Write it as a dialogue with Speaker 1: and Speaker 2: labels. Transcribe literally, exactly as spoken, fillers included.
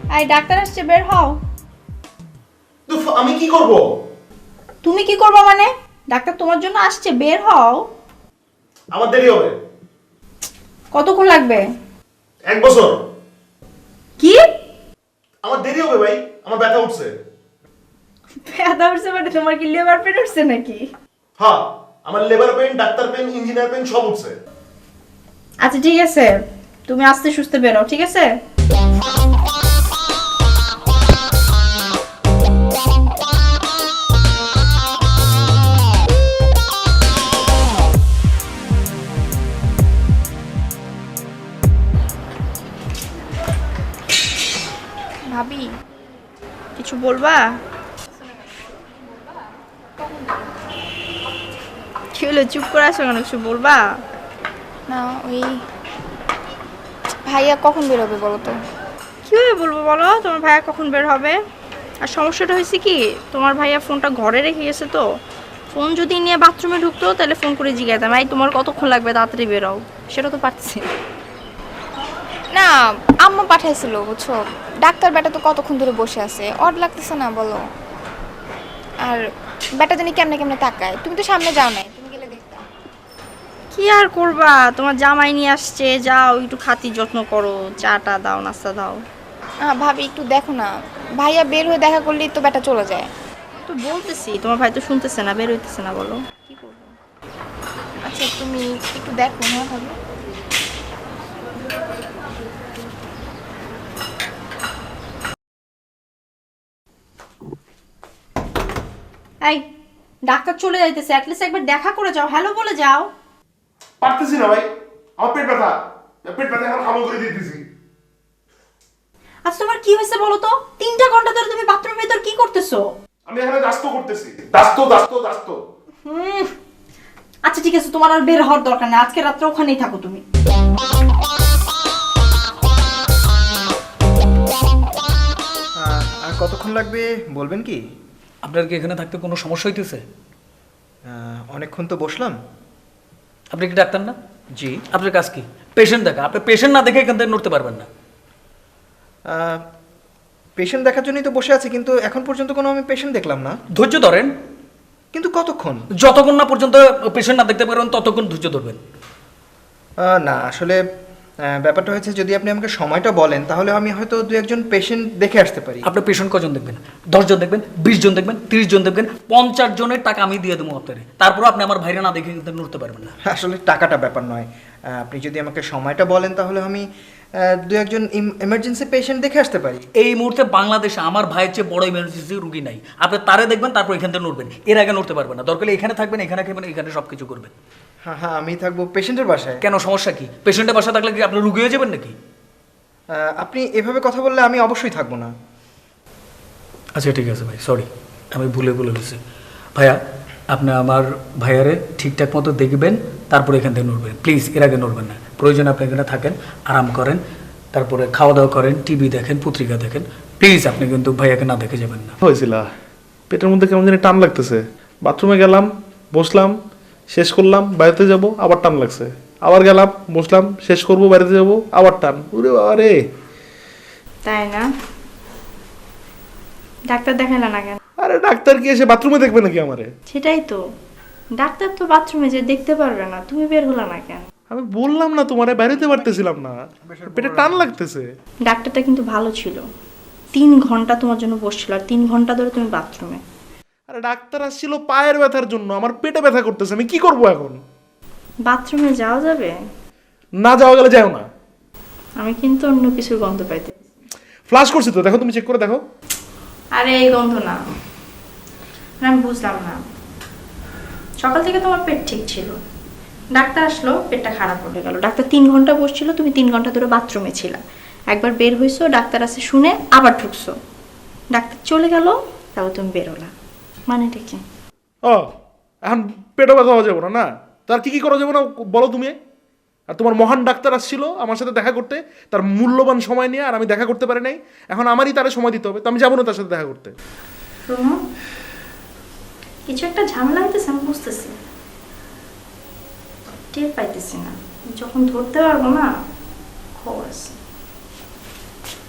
Speaker 1: এই ডাক্তার আসছে, বের হও।
Speaker 2: আমি কি করব?
Speaker 1: তুমি কি করবে মানে? ডাক্তার তোমার জন্য আসছে, বের হও।
Speaker 2: আমার দেরি হবে।
Speaker 1: কতক্ষণ লাগবে?
Speaker 2: এক বছর।
Speaker 1: কি?
Speaker 2: আমার দেরি হবে ভাই, আমার ব্যথা উঠছে।
Speaker 1: ব্যথা উঠছে মানে তোমার কি লেবার পেন উঠছে নাকি?
Speaker 2: হ্যাঁ, আমার labour pain, doctor pain, engineer pain সব উঠছে।
Speaker 1: আচ্ছা ঠিক আছে, তুমি আস্তে সুস্থে বেরো, ঠিক আছে? ভাবি, কিছু বলবা? কি হলো, চুপ করে আসো কেন? কিছু বলবা?
Speaker 3: না, ওই ভাইয়া কখন বেরোবে বলো তো?
Speaker 1: কীভাবে বলবো বলো? তোমার ভাইয়া কখন বের হবে? আর সমস্যাটা হয়েছে কি, তোমার ভাইয়া ফোনটা ঘরে রেখে গেছে, তো ফোন যদি নিয়ে বাথরুমে ঢুকতো তাহলে ফোন করে জিজ্ঞাসাম, এই তোমার কতক্ষণ লাগবে, তাড়াতাড়ি বেরোও। সেটা তো পারছি না।
Speaker 3: না, আম্মা পাঠাইছিল বুঝছো, ডাক্তার বেটা তো কতক্ষণ ধরে বসে আছে, অড লাগতেছে না বলো? আর বেটা জানি কেমনে কেমনে তাকায়, তুমি তো সামনে যাও নাই, তুমি গেলে দেখতা।
Speaker 1: কি আর করবা, তোমার জামাই নিয়ে আসছে, যাও একটু খাতির যত্ন করো, চাটা দাও, নাস্তা দাও।
Speaker 3: হ্যাঁ ভাবি, একটু দেখো না, ভাইয়া বের হয়ে দেখা করলেই তো বেটা চলে যায়।
Speaker 1: তো বলতেছি, তোমার ভাই তো শুনতেছে না, বের হইতেছে না, বলো কি করবো?
Speaker 3: আচ্ছা তুমি একটু দেখো না ভাবি।
Speaker 1: এই ডাক্তার চলে যাইতেছে, অ্যাটলিস্ট একবার দেখা করে যাও, হ্যালো বলে যাও।
Speaker 2: পারতেছি না ভাই, আমার পেট ব্যথা, পেট ব্যথা এখন খামো করে দিতেছি।
Speaker 1: আচ্ছা তোমার কি হয়েছে বলো তো? তিনটা ঘন্টা ধরে তুমি বাথরুমের ভিতর কি করতেছো?
Speaker 2: আমি এখানে দাস্ত করতেছি, দাস্ত দাস্ত দাস্ত।
Speaker 1: হুম, আচ্ছা ঠিক আছে, তোমার আর বের হওয়ার দরকার নেই, আজকে রাত্রে ওখানেই থাকো তুমি।
Speaker 4: আর কতক্ষণ লাগবে বলবেন কি?
Speaker 5: আপনার কি এখানে থাকতে কোনো সমস্যা হইতেছে?
Speaker 4: আহ, অনেকক্ষণ তো বসলাম।
Speaker 5: আপনি কি ডাক্তার না?
Speaker 4: জি।
Speaker 5: আপনার কাজ কি? পেশেন্ট দেখা। আপনি পেশেন্ট না দেখে এখান থেকে নড়তে পারবেন না।
Speaker 4: পেশেন্ট দেখার জন্যই তো বসে আছি, কিন্তু এখন পর্যন্ত কোনো আমি পেশেন্ট দেখলাম না।
Speaker 5: ধৈর্য ধরেন,
Speaker 4: কিন্তু কতক্ষণ?
Speaker 5: যতক্ষণ না পর্যন্ত পেশেন্ট না দেখতে পারবেন ততক্ষণ ধৈর্য ধরবেন।
Speaker 4: আহ, না আসলে আহ, ব্যাপারটা হয়েছে, যদি আপনি আমাকে সময়টা বলেন তাহলে আমি হয়তো দু একজন পেশেন্ট দেখে আসতে পারি।
Speaker 5: আপনি পেশেন্ট কজন দেখবেন? দশ জন দেখবেন, বিশ জন দেখবেন, তিরিশ জন দেখবেন, পঞ্চাশ জনের টাকা আমি দিয়ে দেবো আপনারে। তারপর আপনি আমার ভাইরা না দেখে কিন্তু নড়তে পারবেন না।
Speaker 4: আসলে টাকাটা ব্যাপার নয়, আহ, আপনি যদি আমাকে সময়টা বলেন তাহলে আমি আহ, দু একজন এমার্জেন্সি পেশেন্ট দেখে আসতে পারি।
Speaker 5: এই মুহূর্তে বাংলাদেশে আমার ভাইয়ের চেয়ে বড় ইমার্জেন্সি রুগী নাই। আপনি তারে দেখবেন, তারপর এখান থেকে নড়বেন, এর আগে নড়তে পারবেন না। দরকার হলে এখানে থাকবেন, এখানে খাবেন, এখানে সব কিছু করবেন।
Speaker 4: হ্যাঁ হ্যাঁ, আমি থাকবো পেশেন্টের বাসায়।
Speaker 5: কেন, সমস্যা কি? পেশেন্টের বাসা থাকলে কি আপনি রুগী হয়ে যাবেন নাকি?
Speaker 4: আহ, আপনি এভাবে কথা বললে আমি অবশ্যই থাকবো না।
Speaker 5: আচ্ছা ঠিক আছে ভাই, সরি, আমি ভুলে ভুলে গেছি। ভাইয়া, আপনি আমার ভাইয়ারে ঠিকঠাক মতো দেখবেন, তারপরে এখান থেকে নড়বেন প্লিজ, এর আগে নড়বেন না। প্রয়োজন আপনি এখানে থাকেন, আরাম করেন, তারপরে খাওয়া দাওয়া করেন, টিভি দেখেন, পত্রিকা দেখেন, প্লিজ আপনি কিন্তু ভাইয়াকে না দেখে যাবেন না।
Speaker 2: হয়েছিল পেটের মধ্যে কেমন জানি টান লাগতেছে, বাথরুমে গেলাম, বসলাম, শেষ করলাম, বাড়িতে যাব, আবার টান লাগছে, আবার গেলাম, বসলাম, শেষ করব, বাড়িতে যাব, আবার টান। ওরে বাবা রে!
Speaker 1: তাই না? ডাক্তার দেখালে না কেন?
Speaker 2: আরে ডাক্তার কি এসে বাথরুমে দেখবে নাকি আমারে?
Speaker 1: সেটাই তো, ডাক্তার তো বাথরুমে যে দেখতে পারবে না, তুমি বের হলো না কেন?
Speaker 2: আমি বললাম না তোমারে, বাইরেতে পারতেছিলাম না, পেটে টান লাগতেছে।
Speaker 1: ডাক্তারটা কিন্তু ভালো ছিল, তিন ঘন্টা তোমার জন্য বসছিল, আর তিন ঘন্টা ধরে তুমি বাথরুমে।
Speaker 2: আরে ডাক্তার আসছিল পায়ের ব্যথার জন্য, আমার পেটে ব্যথা করতেছে, আমি কি করব এখন?
Speaker 1: বাথরুমে যাওয়া যাবে?
Speaker 2: না যাওয়া গেলে যাও না।
Speaker 1: আমি কিন্তু অন্য কিছুর গন্ধ পাইতে।
Speaker 2: ফ্লাশ করছি তো, দেখো, তুমি চেক করে দেখো।
Speaker 1: আরে এই গন্ধ না, না, আমি বুঝলাম না। সকাল থেকে তোমার পেট ঠিক ছিল, ডাক্তার আসলো, পেটটা খারাপ হয়ে গেল। ডাক্তার তিন ঘন্টা বসছিল, তুমি তিন ঘন্টা ধরে বাথরুমে ছিলা। একবার বের হইছো, ডাক্তার আছে শুনে আবার ঢুকছো, ডাক্তার চলে গেল, তারপর তুমি বেরোলা, মানেটা কি?
Speaker 2: ও, এখন পেটে ব্যথা হওয়া যাবে না না? তার কি কি করা যাবে না বলো তুমি? আর তোমার মহান ডাক্তার আসছিল আমার সাথে দেখা করতে, তার মূল্যবান সময় নিয়ে, আর আমি দেখা করতে পারি নাই। এখন আমারই তারে সময় দিতে হবে, তো আমি যাবো না তার সাথে দেখা করতে।
Speaker 1: শোনো, কিছু একটা ঝামেলা হইতেছে, আমি বুঝতেছি, টের পাইতেছি না, যখন ধরতে পারবো না খবর আছে।